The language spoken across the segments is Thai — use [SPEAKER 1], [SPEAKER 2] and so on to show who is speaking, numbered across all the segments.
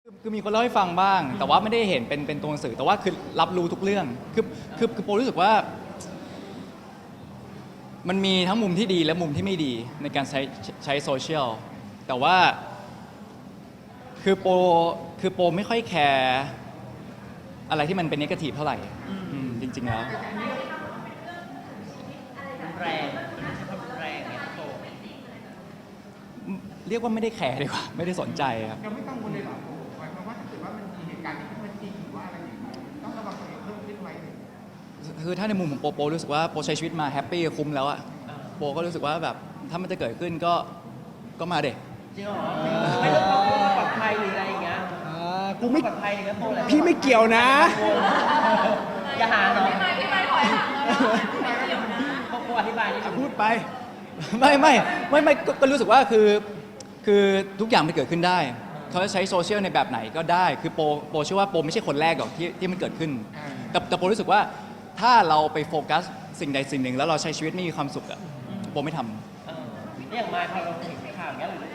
[SPEAKER 1] คือมีคนเล่าให้ฟังบ้างแต่ว่าไม่ได้เห็นเป็นตัวหนังสือแต่ว่าคือรับรู้ทุกเรื่องคือโปรู้สึกว่ามันมีทั้งมุมที่ดีและมุมที่ไม่ดีในการใช้โซเชียลแต่ว่าคือโปไม่ค่อยแคร์อะไรที่มันเป็นเนกาทีฟเท่าไหร่จริงๆแล้ว
[SPEAKER 2] แรงแรงเนี่ยโต
[SPEAKER 1] เรียกว่าไม่ได้แคร์ดีกว่าไม่ได้สนใจครับ
[SPEAKER 3] เราไม่กังวลเลยเหรอหมายความว่าถ้าเกิดว่ามันมีเหตุการณ์ที่มันจริงหรือว่าอะไรอย่างนี้ต้องระวังตัวเองเพิ่มขึ้นไหม
[SPEAKER 1] คือถ้าในมุมของโปรู้สึกว่าโปใช้ชีวิตมาแฮปปี้คุ้มแล้วอะโปก็รู้สึกว่าแบบถ้ามันจะเกิดขึ้นก็มาเด็ก
[SPEAKER 2] จริงเหรอไม่ต้องเอาความปลอดภัยหรืออะไรอย่างเงี้ย
[SPEAKER 4] กูไม่
[SPEAKER 2] ปลอดภัยอย่างเงี้ยโตแล้ว
[SPEAKER 4] พี่ไม่เกี่ยวนะ
[SPEAKER 2] อย่าหาเนาะ
[SPEAKER 5] พี่ไม่ถอยห่างแล้วไม่เกี่ยวนะ
[SPEAKER 2] เขาอธิบายนี่
[SPEAKER 4] พูดไป
[SPEAKER 1] ไม่ก็รู้สึกว่าคือทุกอย่างมันเกิดขึ้นได้เขาจะใช้โซเชียลในแบบไหนก็ได้คือโปเชื่อว่าโปไม่ใช่คนแรกหรอกที่มันเกิดขึ้นแต่โปรู้สึกว่าถ้าเราไปโฟกัสสิ่งใดสิ่งหนึ่งแล้วเราใช้ชีวิตไม่มีความสุขอะโปไม่ทำ
[SPEAKER 2] อย่างมาพอเราเห็นข่าวอย่างเงี้ยหรือ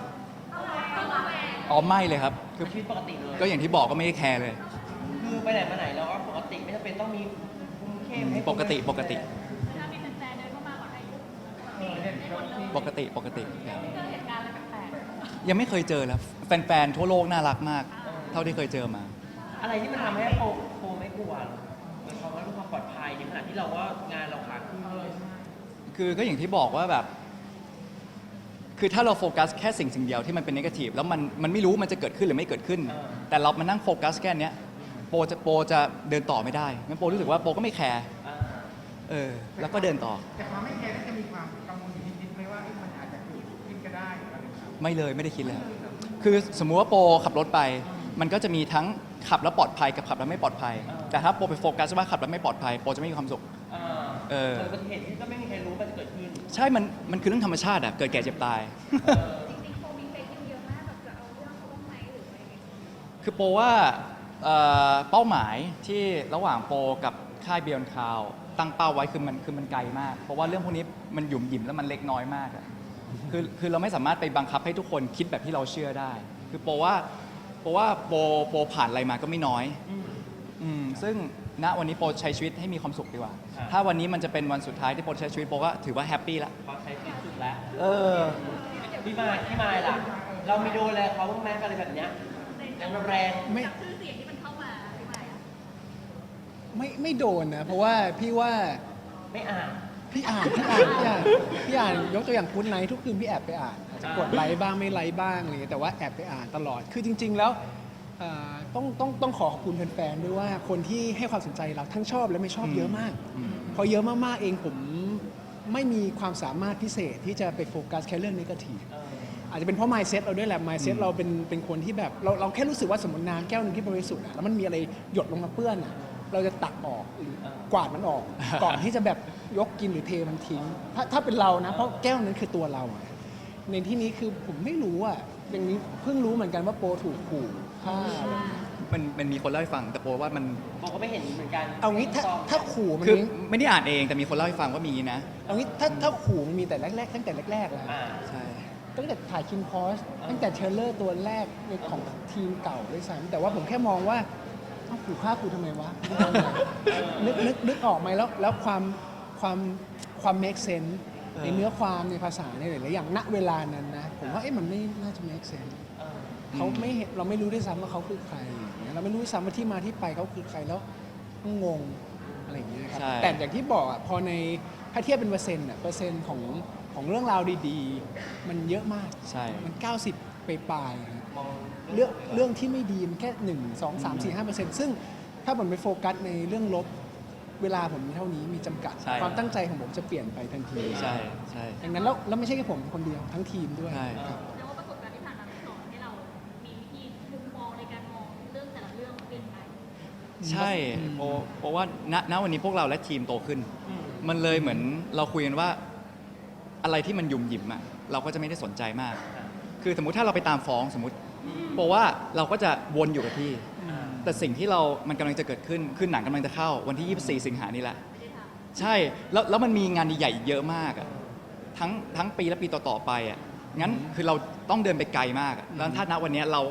[SPEAKER 1] อ๋อไม่เลยครับคือ
[SPEAKER 2] ชีวิตปกติเลย
[SPEAKER 1] ก็อย่างที่บอกก็ไม่ได้แคร์เลย
[SPEAKER 2] คือไปไหนมาไหนเราก็ปกติไม่จำเป็นต้องมีคุมเข้มให้
[SPEAKER 1] ปกติ
[SPEAKER 5] ถ้ามีแฟนๆเดินเข้ามาขอถ่ายรูปให้หมดเลย
[SPEAKER 1] ปกติ
[SPEAKER 5] เจอเหตุการณ์อะไรแปลก
[SPEAKER 1] ยังไม่เคยเจอแล้วแฟนๆทั่วโลกน่ารักมากเท่าที่เคยเจอมา
[SPEAKER 2] อะไรที่มันทำให้โปไม่กลัวหมายความว่าเรื่องความปลอดภัยในขณะที่เราว่างานเราขาขึ้นเลย
[SPEAKER 1] คือก็อย่างที่บอกว่าแบบคือถ้าเราโฟกัสแค่สิ่งเดียวที่มันเป็นเนกาทีฟแล้วมันไม่รู้มันจะเกิดขึ้นหรือไม่เกิดขึ้นแต่เรามานั่งโฟกัสแค่นี้โปจะเดินต่อไม่ได้งั้นโปรู้สึกว่าโปก็ไม่แคร์แล้วก็เดินต่อ
[SPEAKER 3] แต่ความไม่แคร์น่าจะมีความกังวลอยู่นิดๆไหมว่ามันอาจจะเกิดขึ้นก็ได้อะไรแบบนี้
[SPEAKER 1] ไม่เลยไม่ได้คิดเลยคือสมมุติว่าโปขับรถไปมันก็จะมีทั้งขับแล้วปลอดภัยกับขับแล้วไม่ปลอดภัยแต่ถ้าโปไปโฟกัสว่าขับแล้วไม่ปลอดภัยโปจะไม่มีความสุข
[SPEAKER 2] เกิดอุบัติเหตุที่ก็ไม่มีใครรู้ว่าจะเกิดขึ้น
[SPEAKER 1] ใช่มันคือเรื่องธรรมชาติอะเกิดแก่เจ็บตาย
[SPEAKER 5] จริงๆโฟมีเฟซเยอะมากแบบจะเอาเรื่องเขาบ้างไหมหรืออะไร
[SPEAKER 1] คือโปว่าเป้าหมายที่ระหว่างโปกับค่ายเบียนคาวตั้งเป้าไว้คือมันไกลมากเพราะว่าเรื่องพวกนี้มันหยุ่มหยิมแล้วมันเล็กน้อยมากอะคือเราไม่สามารถไปบังคับให้ทุกคนคิดแบบที่เราเชื่อได้คือโปว่าโปผ่านอะไรมาก็ไม่น้อยซึ่งณวันนี้โปใช้ชีวิตให้มีความสุขดีกว่าถ้าวันนี้มันจะเป็นวันสุดท้ายที่โปใช้ชีวิตโปก็ถือว่าแฮปปี้ละ
[SPEAKER 2] พอใช้ชีวิตสุดแล้วพี่มายล่ะเรามีดูแลเขาบ้างไหมอะไรแบบเนี้ยแรง
[SPEAKER 5] ไม่ชื่อเสียงที่มันเข้ามาพี่ไม่
[SPEAKER 4] ไม่โดนนะเพราะว่าพี่ว่า
[SPEAKER 2] ไม่อ่าน
[SPEAKER 4] พี่อ่านยกตัวอย่างคุณไนท์ทุกคืนพี่แอบไปอ่านอาจจะกดไลค์บ้างไม่ไลค์บ้างอะไรเงี้ยแต่ว่าแอบไปอ่านตลอดคือจริงๆแล้วต้องขอขอบคุณแฟนๆด้วยว่าคนที่ให้ความสนใจเราทั้งชอบและไม่ชอบเยอะมากพอเยอะมากๆเองผมไม่มีความสามารถพิเศษที่จะไปโฟกัสแค่เรื่องนิเกทีฟอาจจะเป็นเพราะ mindset เราด้วยแหละ mindset เราเป็นคนที่แบบเราแค่รู้สึกว่าสมมติน้ำแก้วนึงที่บริสุทธิ์แล้วมันมีอะไรหยดลงมาเปื้อนเราจะตักออกหรือกวาดมันออกก่อนที่จะแบบยกกินหรือเทมันทิ้งถ้าเป็นเรานะเพราะแก้วนั้นคือตัวเราในที่นี้คือผมไม่รู้อย่างนี้เพิ่งรู้เหมือนกันว่าโปถูกขู่ฆ่า
[SPEAKER 1] มันมีคนเล่าให้ฟังแต่โปว่ามัน
[SPEAKER 2] โปก็ไม่เห็นเหมือนกัน
[SPEAKER 4] เอางี้ถ้าขู่มัน
[SPEAKER 1] คือไม่ได้อ่านเองแต่มีคนเล่าให้ฟังว่ามีนะ
[SPEAKER 4] เอางี้ถ้าขู่มันมีแต่แรกๆตั้งแต่แรกๆแล้ว
[SPEAKER 1] ใช่
[SPEAKER 4] ตั้งแต่ถ่ายคินพอสตั้งแต่เทรลเลอร์ตัวแรกของทีมเก่าด้วยซ้ำแต่ว่าผมแค่มองว่าขู่ฆ่ากูทำไมวะนึกออกไหมแล้วความ make sense ในเนื้อความในภาษาในหลายๆอย่างณเวลานั้นนะผมว่ามันไม่น่าจะ make sense เขาไม่เราไม่รู้ด้วยซ้ำว่าเขาคือใครเราไม่รู้ด้วยซ้ำว่าที่มาที่ไปเขาคือใครแล้วงงอะไรอย่างเงี้ยครับแต่อย่างที่บอกพอในถ้าเทียบเป็นเปอร์เซ็นต์ของเรื่องราวดีๆมันเยอะมาก
[SPEAKER 1] ใช่
[SPEAKER 4] มัน90ไปปลายเรื่องที่ไม่ดีมันแค่1 2 3 4 5%ซึ่งถ้าผมไปโฟกัสในเรื่องลบเวลาผมมีเท่านี้มีจำกัดความตั้งใจของผมจะเปลี่ยนไปทันที
[SPEAKER 1] ใช่
[SPEAKER 4] อย่างนั้นแล้วไม่ใช่แค่ผมคนเดียวทั้งทีมด้วย
[SPEAKER 1] ครับ
[SPEAKER 5] แล้วว่าประสบการณ์ที่ผ่านมาสอนให้เรามีวิธีมุมมองในการมองเรื่องแต่ละเรื่องเปลี่ยนไป
[SPEAKER 1] ใช่เพราะว่าณวันนี้พวกเราและทีมโตขึ้นมันเลยเหมือนเราคุยกันว่าอะไรที่มันยุ่มหยิมเราก็จะไม่ได้สนใจมากคือสมมุติถ้าเราไปตามฟ้องสมมติเพราะว่าเราก็จะวนอยู่กับที่แต่สิ่งที่มันกำลังจะเกิดขึ้นคือหนังกำลังจะเข้าวันที่24 สิงหานี่แหละใช่แล้วมันมีงานใหญ่ๆเยอะมากทั้งปีและปีต่อๆไปงั้นคือเราต้องเดินไปไกลมากแล้วถ้าณวันนี้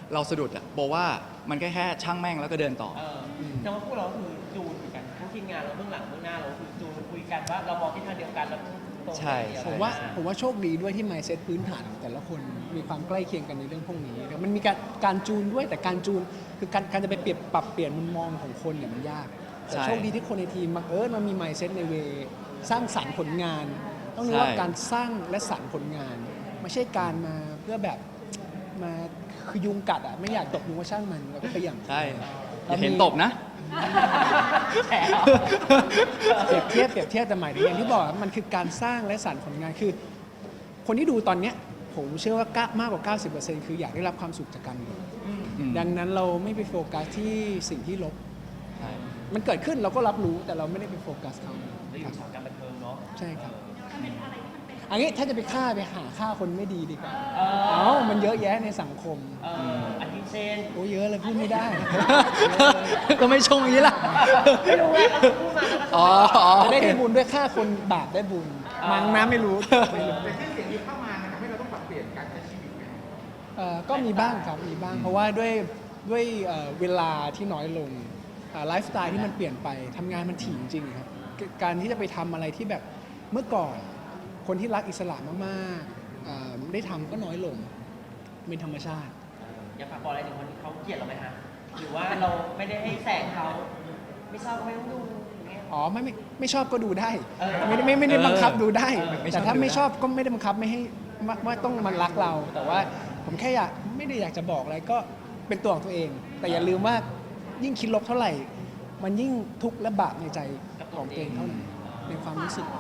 [SPEAKER 1] เราสะดุดอะบอกว่ามันแค่ช่างแม่งแล้วก็เดินต่อ
[SPEAKER 2] แต่ว่าพวกเราคือจูนเหมือนกันทั้งทีมงานเราเบื้องหลังเบื้องหน้าเราคือจูนคุยกันว่าเรามองทิศทางเดียวกันแล้วตรง
[SPEAKER 1] ใช่
[SPEAKER 2] เดียว
[SPEAKER 4] ผมว่าโชคดีด้วยที่ mindset พื้นฐานของแต่ละคนมีความใกล้เคียงกันในเรื่องพวกนี้แต่มันมีการจูนด้วยแต่การจูนคือการจะไปปรับเปลี่ยนมุมมองของคนเนี่ยมันยากแต่
[SPEAKER 1] ใช่
[SPEAKER 4] โชคดีที่คนในทีมบังเอิญมันมี mindset ในเวสร้างสรรค์ผลงาน ต้องรู้ว่า
[SPEAKER 1] ใช่
[SPEAKER 4] การสร้างและสรรค์ผลงาน ไม่ใช่การมาเพื่อแบบมาคือยุงกัดอ่ะไม่อยากตบยุงว่าช่างมันเราก็พยายาม
[SPEAKER 1] ใช่อย่าเห็นตบนะ
[SPEAKER 2] แฉะ
[SPEAKER 4] เปรียบเทียบแต่หมายถึงอย่างที่บอกมันคือการสร้างและสรรค์ผลงานคือ คนที่ดูตอนเนี้ยผมเชื่อว่ามากกว่า 90%คืออยากได้รับความสุขจากการดู
[SPEAKER 1] อืม
[SPEAKER 4] ดังนั้นเราไม่ไปโฟกัสที่สิ่งที่ลบ
[SPEAKER 1] ใช่
[SPEAKER 4] มันเกิดขึ้นเราก็รับรู้แต่เราไม่ได้ไปโฟกัสเขา
[SPEAKER 2] เราอยู่สายการบันเทิงเนาะ
[SPEAKER 4] ใช่ครับ
[SPEAKER 5] มันเป็นอะไรที่มันเป็น
[SPEAKER 4] อันนี้ถ้าจะไปหาฆ่าคนไม่ดีดีกว่า
[SPEAKER 2] เอ
[SPEAKER 4] เอ้ามันเยอะแยะในสังคม
[SPEAKER 2] อันที่เช่น
[SPEAKER 4] โอ้เยอะเลยพูดไม่ได้
[SPEAKER 1] ก็ไม่ชงอย่างนี้ล่ะ
[SPEAKER 2] ไม่รู้ไงเขาพูดมาแล้วก็
[SPEAKER 1] อ๋อ
[SPEAKER 4] จะได้บุญด้วยฆ่าคนบาปได้บุญมั้งนะไม่รู้
[SPEAKER 3] แต่ชื่อเสียงที่เข้ามามันทำให้เราต้องปรับเปลี่ยนการใช้ชีวิตไหม
[SPEAKER 4] ก็มีบ้างครับมีบ้าง เพราะว่าด้วยเวลาที่น้อยลงไลฟ์สไตล์ที่มันเปลี่ยนไปทำงานมันถี่จริงๆครับการที่จะไปทำอะไรที่แบบเมื่อก่อน คนที่รักอิสระมากๆได้ทำก็น้อยลงเป็นธรรมชาติ
[SPEAKER 2] อยากฝากบอกอะไรถึงคนที่เขาเกลียดเราไหมฮะหรือว่าเราไม่ได้ให้แสงเขาไม่ชอบก็ไม่ต้องดูอย่างเงี้ย
[SPEAKER 4] อ๋อไม่ชอบก็ดูได้
[SPEAKER 2] เออ
[SPEAKER 4] ไม่ได้บังคับดูได้
[SPEAKER 1] ไม่ชอบ
[SPEAKER 4] แต่ถ้า
[SPEAKER 1] ดูได้
[SPEAKER 4] ไม่ชอบก็ไม่ได้บังคับไม่ให้ว่าต้องมันรักเรา แต่ว่าผมแค่ไม่ได้อยากจะบอกอะไรก็เป็นตัวของตัวเอง แต่อย่าลืมว่ายิ่งคิดลบเท่าไหร่ มันยิ่งทุกข์และบาปในใจของตัวเองเท่านั้นในความรู้สึก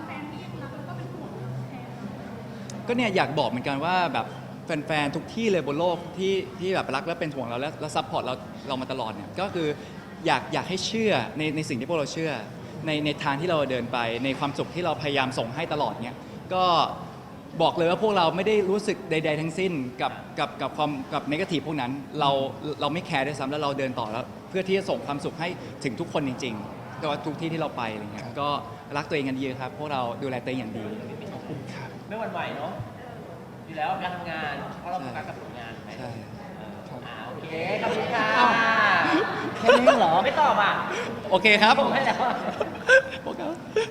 [SPEAKER 1] ก็เนี่ยอยากบอกเหมือนกันว่าแบบแฟนๆทุกที่เลยบนโลกที่แบบรักและเป็นห่วงเราและซัพพอร์ตเรามาตลอดเนี่ยก็คืออยากให้เชื่อในสิ่งที่พวกเราเชื่อในทางที่เราเดินไปในความสุขที่เราพยายามส่งให้ตลอดเนี่ยก็บอกเลยว่าพวกเราไม่ได้รู้สึกใด ๆ ทั้งสิ้นกับความกับเนกาทีฟพวกนั้นเราไม่แคร์ด้วยซ้ำแล้วเราเดินต่อแล้วเพื่อที่จะส่งความสุขให้ถึงทุกคนจริงๆแต่ว่าทุกที่ที่เราไปอะไรเงี้ยก็รักตัวเองกันเยอะครับพวกเราดูแลตัวเองอย่างดี
[SPEAKER 4] ขอบคุณครับ
[SPEAKER 2] ไม่หวั่นไหวเนาะอยู่แล้วการทำงานเพราะเราโฟกัสกับผลงานไป
[SPEAKER 1] ใช่
[SPEAKER 2] โอเคขอบคุณค่ะ
[SPEAKER 4] อ้าว แค่นี้เหรอ
[SPEAKER 2] ไม่ตอบอ่ะ
[SPEAKER 1] โอเคครับ
[SPEAKER 2] ผมให้แล้ว
[SPEAKER 1] โอเค